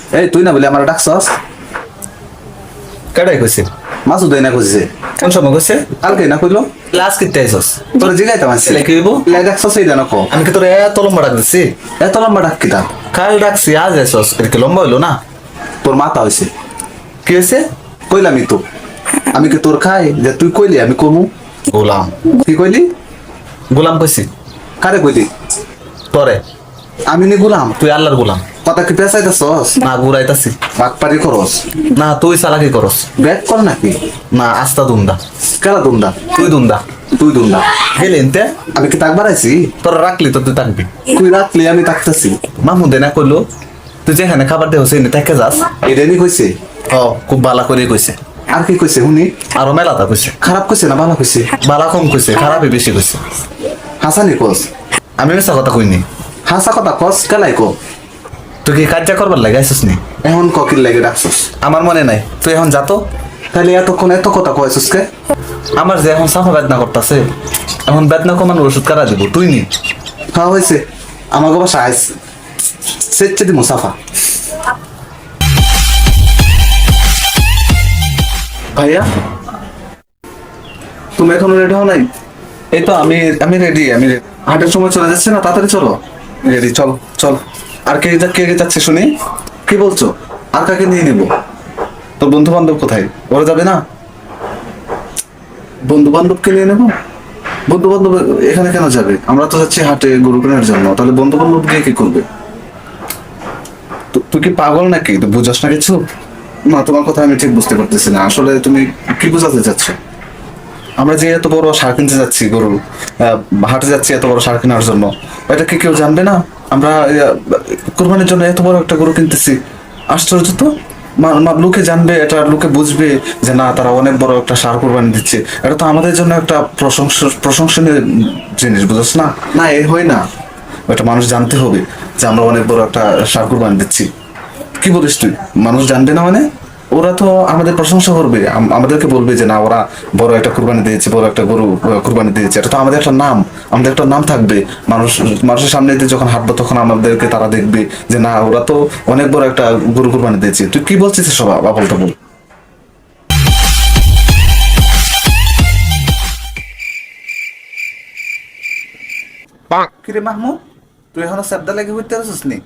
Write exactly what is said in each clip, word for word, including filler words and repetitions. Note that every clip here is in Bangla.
এই তুই না বলে আমার ডাকছস? কেডাই কইছে? মাসুদ না কইছে। কোন সময় কইছে? কালকে না কইলো? ক্লাস কিতে আইছস? তোর জিগাইতাম আসছে। লে কি হইব? লে ডাকছস এই জানো কো। আমি কি তোর এত লম্বা ডাক দিছি? এত লম্বা ডাক কিতা? কাল ডাকছি আজ আইছস। এর কি লম্বা হইলো না? তোর মাথা হইছে। কি হইছে? কইলামই তো। আমি কি তোর খাই যে তুই কইলি আমি কমু? গোলাম। কি কইলি? গোলাম কইছি। কারে কইলি? তোরে। আমি নি গোলাম। তুই আল্লাহর গোলাম। কথা কি পেছাইতাছস? না ঘুরাইতাছি। বাকপারি করস। না তুই চালাকি করস। ব্যাক কর নাকি? না আস্তা দুন্দা। কেলা দুন্দা? তুই দুন্দা। তুই দুন্দা। গেলি এনতে? আমি কি তাক বাড়াইছি? তোর রাখলি তো তুই থাকবি। তুই রাখলি আমি তাকতাছি। মাহমুদে না কইলো তুই যেখানে খাবার দেওয়া হচ্ছে থেকে যাস। এটাই নি কইছে? ও খুব বালা করে কইছে। আর কি কইছে শুনি? আরো মেলাটা কইছে। খারাপ কইছে না ভালো কইছে? বালা কম কইছে, খারাপই বেশি কইছে। হাসানি কস। আমি মিছা কথা কইনি। হাসা কথা কস কেলাই কো। তুই কি কার্য করবার লাগে আইসিস নি? এখন ককির লাগে ডাকছস। আমার মনে নাই, তুই এখন যা তো। তাহলে এতক্ষণ এত কথা কয়েছিস কে? আমার যে এখন সাফা বেদনা করতেছে, এখন বেদনা কমানোর ওষুধ কারা দিব, তুই নি। হ্যাঁ হয়েছে, আমাকে বাসা আইস সেচ্ছে দি মুসাফা। ভাইয়া তুমি এখনো রেডি হও নাই? এই তো আমি আমি রেডি, আমি ready। হাটের সময় চলে যাচ্ছে না, তাড়াতাড়ি চলো। রেডি, চল চল। আর কে যা- কে কে যাচ্ছে শুনি? কি বলছো? আর কাকে নিয়ে নিব? তোর বন্ধু বান্ধব কোথায়? ওরা যাবে না? বন্ধু বান্ধবকে নিয়ে নেবো? বন্ধু বান্ধব এখানে কেন যাবে? আমরা তো যাচ্ছি হাটে গরু কেনার জন্য, তাহলে বন্ধু বান্ধব গিয়ে কি করবে? তু- তুই কি পাগল নাকি? তুই বুঝাস না কিছু? না, তোমার কথা আমি ঠিক বুঝতে পারতেছি না, আসলে তুমি কি বোঝাতে চাচ্ছ? আমরা যে এত বড় সার কিনতে যাচ্ছি, গরু আহ, হাটে যাচ্ছি এত বড় সার কেনার জন্য, এটা কি কেউ জানবে না? আমরা আহ, কোরবানির জন্য এত বড় একটা গরু কিনতেছি। আশ্চর্য তো। মা- মা- লোকে জানবে, এটা লোকে বুঝবে যে না, তারা অনেক বড় একটা সার কোরবানি দিচ্ছে। এটা তো আমাদের জন্য একটা প্রশংস প্রশংসনীয় জিনিস, বুঝছ না? না, এ হয় না। এটা মানুষ জানতে হবে যে আমরা অনেক বড় একটা সার কোরবানি দিচ্ছি। কি বলিস তুই? মানুষ জানবে না মানে? ওরা তো আমাদের প্রশংসা করবে, আম- আমাদেরকে বলবে যে না, ওরা বড় একটা কুরবানি দিয়েছে, বড় একটা গরু আহ, কুরবানি দিয়েছে। এটা তো আমাদের একটা নাম, আমাদের একটা নাম থাকবে। মানুষ মানুষের সামনে দিয়ে যখন হাঁটবো তখন আমাদেরকে তারা দেখবে যে না, ওরা তো অনেক বড় একটা গরু কুরবানি দিয়েছে। তুই কি বলছিস সব আবল তাবল? কিরে মাহমুদ, তুই এখনো শ্রদ্ধা লেগে হইতে আসিস নি?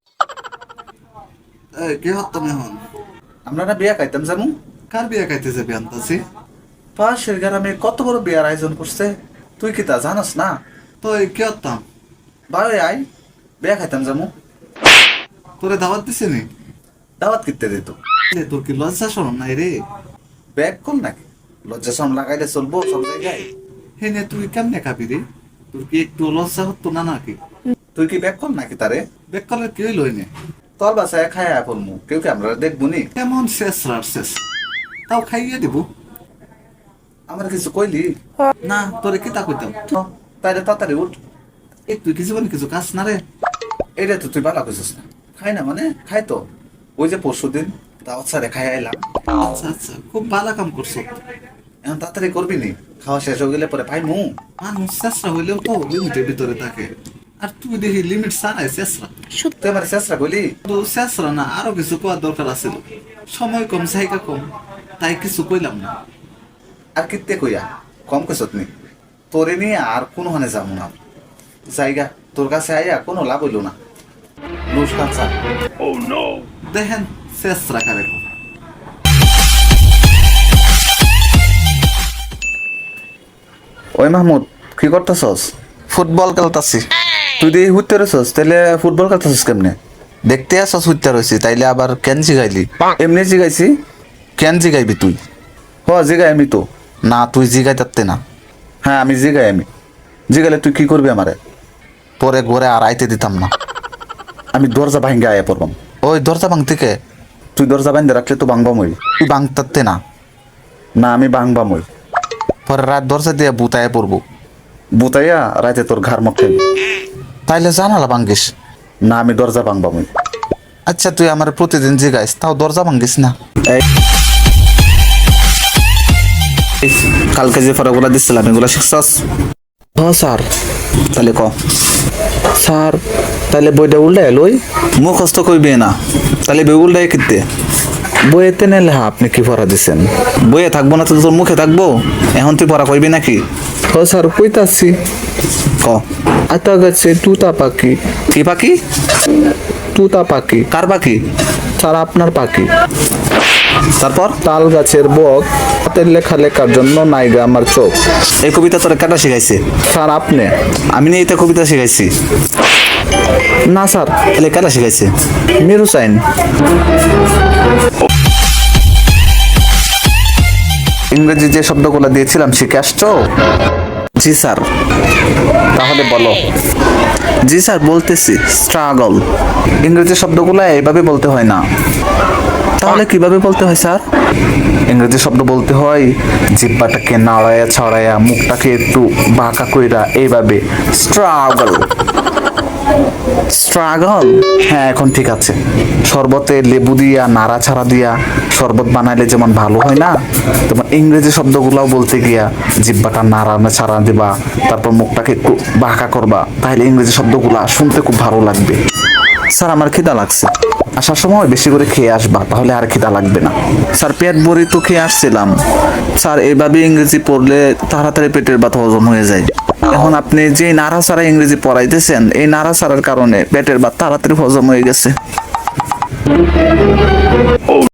এই কি হতাম এখন? আমরা না বিয়া খাইতাম জামু। কার বিয়া খাইতে যাবি আনতাছি? পাশের গ্রামে কত বড় বিয়ার আয়োজন করছে, তুই কি তা জানাস না? তো এই কি হতাম? বারে আয়, বিয়া খাইতাম জামু। তোরে দাওয়াত দিছে নি? দাওয়াত কিনতে দিত। এ, তোর কি লজ্জা শরম নাই রে? ব্যাগ কল নাকি? লজ্জা শরম লাগাইলে চলবো সব জায়গায়? হেনে তুই কেমনে খাবি রে? তোর কি একটু লজ্জা হতো না নাকি? তুই কি ব্যাগ কল নাকি তারে? বেকালের কি হইল এনে? তল বাসায় খায় পড়মু, কেউ কি আমরা দেখবো নি? কেমন শেষ রার শেষ, তাও খাইয়ে দিব। আমার কিছু কইলি? না, তোরে কি তা কইতাম? তো, তাইলে তাড়াতাড়ি উঠ। এই তুই কিছু বলি কিছু কাজ না রে? এইটা তো তুই ভালো কইছিস না। খাই না মানে খাই তো। ওই যে পরশু দিন দাওয়াত সারে খাই আইলাম। আচ্ছা আচ্ছা, খুব ভালো কাম করছো। এখন তাড়াতাড়ি করবি নি, খাওয়া শেষ হয়ে গেলে পরে পাই মু। মানুষ চেষ্টা হইলেও তো লিমিটের ভিতরে থাকে, আর তুই দেখি লিমিট ছাড়াই চেষ্টা। তুই আমার চেষ্টা করলি? তো চেষ্টা না, আরো কিছু কোয়ার দরকার আছিল। সময় কম, জায়গা কম, তাই কিছু কইলাম না। আর কিত্তে কইয়া কম কইছত নি? তোরে নিয়ে আর কোনো হানে যাবো না। জায়গা তোর কাছে আইয়া কোনো লাভ হইল না। লুস কাঁচা। দেখেন শেষ রাখা রেখো। ওই মাহমুদ, কি করতেছস? ফুটবল খেলতাছি। তুই দিয়ে হুইতে রয়েছস, তাইলে ফুটবল খেলতেছস কেমনে? দেখতে আসছ হুইতে রয়েছি, তাইলে আবার কেন জিগাইলি? এমনি জিগাইছি। কেন জিগাইবি তুই? হ জিগাই আমি তো। না, তুই জিগাই তাতে না। হ্যাঁ আমি জিগাই আমি। জিগাইলে তুই কি করবি আমারে? তোরে ঘরে আর আইতে দিতাম না। আমি দরজা ভাঙ্গে আয়া পড়বাম। ওই দরজা ভাঙ থেকে। তুই দরজা বাইন্ধে রাখলে তো ভাঙবামই। তুই ভাঙতাতে না। না আমি ভাঙবামই। পরে রাত দরজা দিয়ে বুতায় পড়বো। বুতাইয়া রাতে তোর ঘর মক খাইবি। তাইলে জানালা ভাঙ্গিস। না আমি দরজা ভাঙবামই। আচ্ছা তুই আমার প্রতিদিন জিগাইস, তাও দরজা ভাঙ্গিস না। এই কালকে যে ফটোগুলো দিচ্ছিলাম এগুলো শিখছস? হ্যাঁ স্যার। তাহলে ক। স্যার তাইলে বইটা উল্টে লই। মুখস্থ কইবে না তাহলে বেগুলটাই কিনতে বইয়েতে না লেখা আপনি কি পড়া দিছেন? বইয়ে থাকবো না তো তোর মুখে থাকবো, এখন তুই পড়া করবি নাকি? ও স্যার কইতাছি। ক আতা গাছে তুতা পাখি। কি পাখি? তুতা পাখি। কার পাখি? স্যার আপনার পাখি। তারপর তাল গাছের বক, হাতের লেখা লেখার জন্য নাইগা আমার চোখ। এই কবিতা তোর কাটা শিখাইছে? স্যার আপনি। আমি নিয়ে এটা কবিতা শিখাইছি। না স্যার, তাহলে কাটা শিখাইছে? মেরু সাইন। ইংরেজি যে শব্দগুলো দিয়েছিলাম শিখে আসছো? জি স্যার। তাহলে বলো। জি স্যার বলতেছি। স্ট্রাগল। ইংরেজি শব্দগুলো এইভাবে বলতে হয় না। তাহলে কিভাবে বলতে হয় স্যার? ইংরেজি শব্দ বলতে হয় জিহ্বাটাকে নাড়ায়া ছড়ায়া মুখটাকে একটু বাঁকা কইরা এইভাবে স্ট্রাগল। স্ট্রাগল, হ্যাঁ এখন ঠিক আছে। শরবতে লেবু দিয়া নাড়াছাড়া দিয়া শরবত বানাইলে যেমন ভালো হয় না, তেমন ইংরেজি শব্দগুলাও বলতে গিয়া জিহ্বাটা নাড়ানো ছাড়া দিবা, তারপর মুখটাকে একটু বাঁকা করবা, তাহলে ইংরেজি শব্দগুলা শুনতে খুব ভালো লাগবে। স্যার আমার খিদা লাগছে। আসার সময় বেশি করে খেয়ে আসবা, তাহলে আর খিদা লাগবে না। স্যার পেট ভরি তো খেয়ে আসছিলাম। স্যার এইভাবে ইংরেজি পড়লে তাড়াতাড়ি পেটের ব্যথা হজম হয়ে যায়। এখন আপনি যে নাড়াচাড়া ইংরেজি পড়াইতেছেন, এই নাড়াচাড়ার কারণে পেটের ভাত তাড়াতাড়ি হজম হয়ে গেছে।